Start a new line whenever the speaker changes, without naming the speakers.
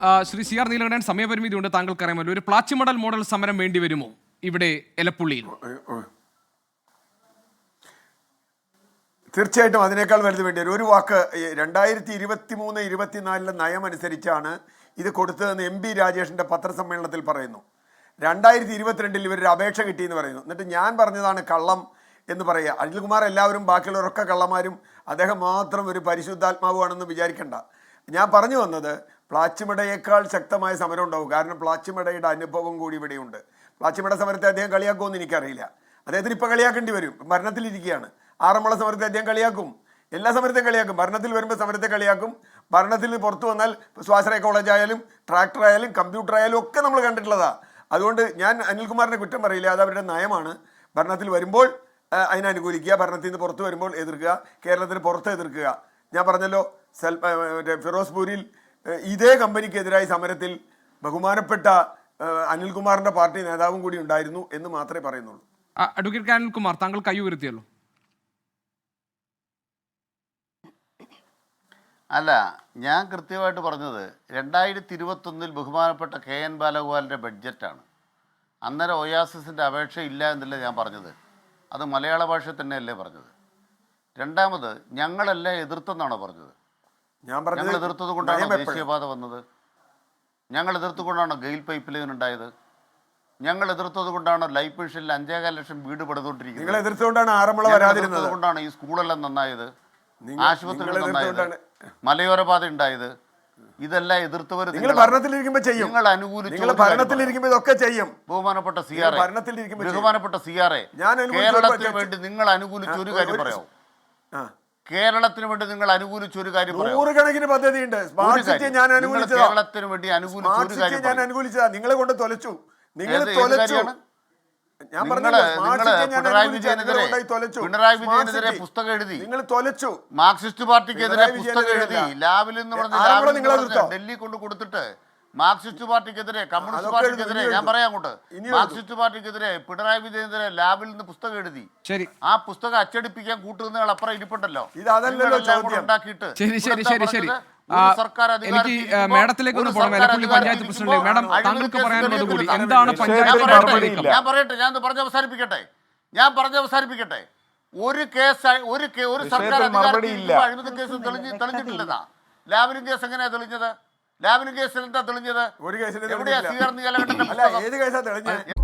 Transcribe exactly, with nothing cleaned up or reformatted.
Shri C R Neelakantan, സമയപരിമിതി ഉണ്ട്, താങ്കൾക്കറിയാമല്ലോ. ഒരു പ്ലാച്ചിമടൽ മോഡൽ സമരം വേണ്ടി വരുമോ ഇവിടെ എലപ്പുള്ളിയിൽ?
തീർച്ചയായിട്ടും അതിനേക്കാൾ വലുത് വേണ്ടി വരും. ഒരു വാക്ക്, രണ്ടായിരത്തി ഇരുപത്തി മൂന്ന് ഇരുപത്തിനാലിലെ നയം അനുസരിച്ചാണ് ഇത് കൊടുത്തതെന്ന് എം പി രാജേഷിന്റെ പത്രസമ്മേളനത്തിൽ പറയുന്നു. രണ്ടായിരത്തി ഇരുപത്തിരണ്ടിൽ ഇവരൊരു അപേക്ഷ കിട്ടിയെന്ന് പറയുന്നു. എന്നിട്ട് ഞാൻ പറഞ്ഞതാണ് കള്ളം എന്ന് പറയുക. അനിൽകുമാർ എല്ലാവരും ബാക്കിയുള്ളവരൊക്കെ കള്ളന്മാരും അദ്ദേഹം മാത്രം ഒരു പരിശുദ്ധാത്മാവുമാണെന്ന് വിചാരിക്കേണ്ട. ഞാൻ പറഞ്ഞു വന്നത് പ്ലാച്ചിമടയേക്കാൾ ശക്തമായ സമരം ഉണ്ടാവും. കാരണം പ്ലാച്ചിമടയുടെ അനുഭവം കൂടി ഇവിടെയുണ്ട്. പ്ലാച്ചിമട സമരത്തെ അദ്ദേഹം കളിയാക്കുമെന്ന് എനിക്കറിയില്ല. അദ്ദേഹത്തിന് ഇപ്പം കളിയാക്കേണ്ടി വരും, ഭരണത്തിലിരിക്കുകയാണ്. ആറന്മുള സമരത്തെ അദ്ദേഹം കളിയാക്കും, എല്ലാ സമരത്തെയും കളിയാക്കും. ഭരണത്തിൽ വരുമ്പോൾ സമരത്തെ കളിയാക്കും. ഭരണത്തിൽ നിന്ന് പുറത്തു വന്നാൽ സ്വാശ്രയ കോളേജ് ആയാലും ട്രാക്ടർ ആയാലും കമ്പ്യൂട്ടർ ആയാലും ഒക്കെ നമ്മൾ കണ്ടിട്ടുള്ളതാണ്. അതുകൊണ്ട് ഞാൻ അനിൽകുമാറിനെ കുറ്റം പറയില്ല, അത് അവരുടെ നയമാണ്. ഭരണത്തിൽ വരുമ്പോൾ അതിനെ അനുകൂലിക്കുക, ഭരണത്തിൽ നിന്ന് പുറത്തു വരുമ്പോൾ എതിർക്കുക, കേരളത്തിന് പുറത്ത് എതിർക്കുക. ഞാൻ പറഞ്ഞല്ലോ, സെൽ മറ്റേ ഫിറോസ്പൂരിൽ ഇതേ കമ്പനിക്കെതിരായി സമരത്തിൽ ബഹുമാനപ്പെട്ട അനിൽകുമാറിന്റെ പാർട്ടി നേതാവും കൂടി ഉണ്ടായിരുന്നു എന്ന് മാത്രമേ പറയുന്നുള്ളൂ.
അഡ്വക്കേറ്റ് അനിൽകുമാർ, താങ്കൾ കൈ ഉയർത്തിയല്ലോ.
അല്ല, ഞാൻ കൃത്യമായിട്ട് പറഞ്ഞത് രണ്ടായിരത്തി ഇരുപത്തൊന്നിൽ ബഹുമാനപ്പെട്ട കെ എൻ ബാലഗോപാലിൻ്റെ ബഡ്ജറ്റാണ്. അന്നേരം ഒയാസിസിൻ്റെ അപേക്ഷ ഇല്ല എന്നല്ല ഞാൻ പറഞ്ഞത്, അത് മലയാള ഭാഷ തന്നെയല്ലേ പറഞ്ഞത്. രണ്ടാമത് ഞങ്ങളെല്ലാം എതിർത്തെന്നാണോ പറഞ്ഞത്? ഞങ്ങൾ എതിർത്തത് കൊണ്ടാണ് ദേശീയപാത വന്നത്, ഞങ്ങൾ എതിർത്തുകൊണ്ടാണ് ഗെയിൽ പൈപ്പ് ലൈൻ ഉണ്ടായത്, ഞങ്ങൾ എതിർത്തത് കൊണ്ടാണ് ലൈഫ് മിഷനിൽ അഞ്ചേകാൽ ലക്ഷം വീട് പണിതുകൊണ്ടിരിക്കുന്നത്, കൊണ്ടാണ് ഈ സ്കൂളെല്ലാം നന്നായത്, ആശുപത്രികൾ നന്നായത്, മലയോര പാത ഉണ്ടായത്. ഇതെല്ലാം എതിർത്തവർ നിങ്ങൾ
ഭരണത്തിലിരിക്കുമ്പോൾ ചെയ്യും,
നിങ്ങൾ അനുകൂലിച്ചു.
ഭരണത്തിലിരിക്കുമ്പോൾ ഇതൊക്കെ ചെയ്യും.
ബഹുമാനപ്പെട്ട സി ആർ എ ബഹുമാനപ്പെട്ട സി ആർ എ കേരളത്തിന് വേണ്ടി നിങ്ങൾ അനുകൂലിച്ച ഒരു കാര്യം പറയാമോ? കേരളത്തിന് വേണ്ടി നിങ്ങൾ അനുകൂലിച്ച ഒരു കാര്യം
നൂറുകണക്കിന് പദ്ധതിയുണ്ട്.
കേരളത്തിന് വേണ്ടി അനുകൂലിച്ച ഒരു കാര്യം
ഞാൻ അനുകൂലിച്ചതാ, നിങ്ങളെ കൊണ്ട് തൊലച്ചു. നിങ്ങൾ
പിണറായി വിജയനെതിരെ പിണറായി വിജയനെതിരെ പുസ്തകം എഴുതി,
നിങ്ങൾ തൊലച്ചു.
മാർക്സിസ്റ്റ് പാർട്ടിക്കെതിരെ പുസ്തകം എഴുതി, ലാബിൽ നിന്ന് പറഞ്ഞ് ഡൽഹി കൊണ്ട് കൊടുത്തിട്ട് മാർക്സിസ്റ്റ് പാർട്ടിക്കെതിരെ കമ്മ്യൂണിസ്റ്റ് പാർട്ടിക്കെതിരെ ഞാൻ പറയാം അങ്ങോട്ട് മാർക്സിസ്റ്റ് പാർട്ടിക്കെതിരെ പിണറായി വിജയനെതിരെ ലാബിൽ നിന്ന് പുസ്തകം എഴുതി.
ശരി,
ആ പുസ്തകം അച്ചടിപ്പിക്കാൻ കൂട്ടുന്നയാൾ അപ്പുറം ഇരിപ്പുണ്ടല്ലോ.
ഉണ്ടാക്കിയിട്ട്
എനിക്ക് മേഡത്തിലേക്ക് ഒന്ന് പോകണം. എലപ്പുള്ളി പഞ്ചായത്ത് പ്രസിഡന്റ് മേഡം, താങ്കൾക്ക് പറയാനുള്ളത് കൂടി എന്താണ്? പഞ്ചായത്ത്
ഞാൻ പറയട്ടെ, ഞാൻ പറഞ്ഞ് അവസാനിപ്പിക്കട്ടെ ഞാൻ പറഞ്ഞ് അവസാനിപ്പിക്കട്ടെ ഒരു കേസ് ഒരു ഒരു സർക്കാർ അഴിമതി കേസ് തെളിഞ്ഞ് തെളിഞ്ഞിട്ടില്ലെന്നാ. ലാവലിൻ കേസ് എങ്ങനെയാ തെളിഞ്ഞത്? ലാവലിൻ കേസിൽ എന്താ തെളിഞ്ഞത്?
ഒരു കേസിൽ
എവിടെയാ സി ആർ നീലകണ്ഠന്റെ
ഏത് കേസാ തെളിഞ്ഞത്?